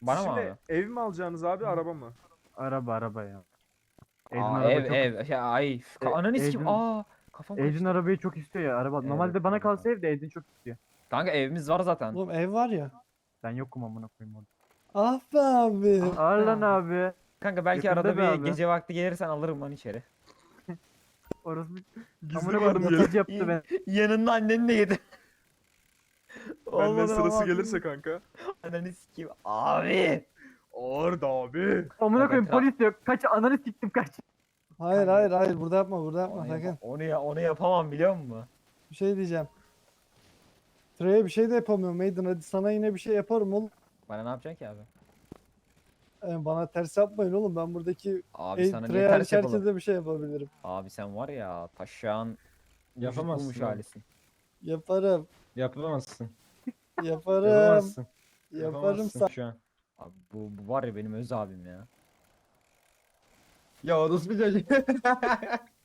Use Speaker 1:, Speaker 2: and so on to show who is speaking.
Speaker 1: Bana mı
Speaker 2: Şimdi
Speaker 1: abi?
Speaker 2: ev mi alacaksınız abi, araba mı?
Speaker 3: Araba ya. Edin
Speaker 1: Aa
Speaker 3: araba
Speaker 1: ev
Speaker 3: çok
Speaker 1: ev. Ya, ay. Ananı sikim.
Speaker 3: Edin
Speaker 1: Aa. Kafam
Speaker 3: Edin
Speaker 1: kaçtı.
Speaker 3: arabayı çok istiyor ya araba.
Speaker 1: Evet
Speaker 3: Normalde bana
Speaker 1: kanka.
Speaker 3: kalsa ev de Edin çok istiyor.
Speaker 1: Kanka evimiz var zaten.
Speaker 4: Oğlum ev var ya.
Speaker 3: Ben yokum amına koyayım orada.
Speaker 4: Ah be abi.
Speaker 1: Ah be
Speaker 3: Ağır lan
Speaker 1: abi.
Speaker 3: abi.
Speaker 1: Kanka belki
Speaker 3: Yakında
Speaker 1: arada
Speaker 3: be
Speaker 1: bir
Speaker 3: abi.
Speaker 1: gece vakti gelirsen alırım lan içeri.
Speaker 3: Orası
Speaker 2: Gizli
Speaker 3: amına
Speaker 2: var mı
Speaker 3: koyayım
Speaker 2: gelin?
Speaker 3: yatacı yaptı ben.
Speaker 1: Yanında annenle yedi.
Speaker 2: Benden
Speaker 1: Olmadı
Speaker 2: sırası
Speaker 1: ama.
Speaker 2: gelirse kanka.
Speaker 1: Ananı sikeyim. Abi.
Speaker 2: Orada abi.
Speaker 3: Amına
Speaker 1: Bak
Speaker 3: koyayım
Speaker 1: etraf-
Speaker 3: polis yok. Kaç ananı siktim kaç.
Speaker 4: Hayır hayır hayır burada yapma burada yapma
Speaker 1: Onu,
Speaker 4: sakın.
Speaker 1: onu yapamam biliyor musun?
Speaker 4: Bir şey diyeceğim. Trey'e bir şey de yapamıyorum Maiden, hadi sana yine bir şey yaparım oğlum.
Speaker 1: Bana ne yapacaksın ki abi?
Speaker 4: Bana ters yapmayın oğlum, ben buradaki
Speaker 1: Abi sana niye
Speaker 4: Trey
Speaker 1: ters
Speaker 4: hariç
Speaker 1: yapalım?
Speaker 4: herkese bir şey yapabilirim.
Speaker 1: Abi sen var ya taşağın
Speaker 5: Yapamazsın
Speaker 1: bulmuş
Speaker 5: abi.
Speaker 1: halisin.
Speaker 4: Yaparım.
Speaker 5: Yapamazsın.
Speaker 4: Yaparım.
Speaker 5: Yapamazsın.
Speaker 4: Yaparım
Speaker 5: Yapamazsın
Speaker 4: sen.
Speaker 5: şu an.
Speaker 1: Abi bu var ya benim öz abim ya.
Speaker 5: Ya orası bir çocuk.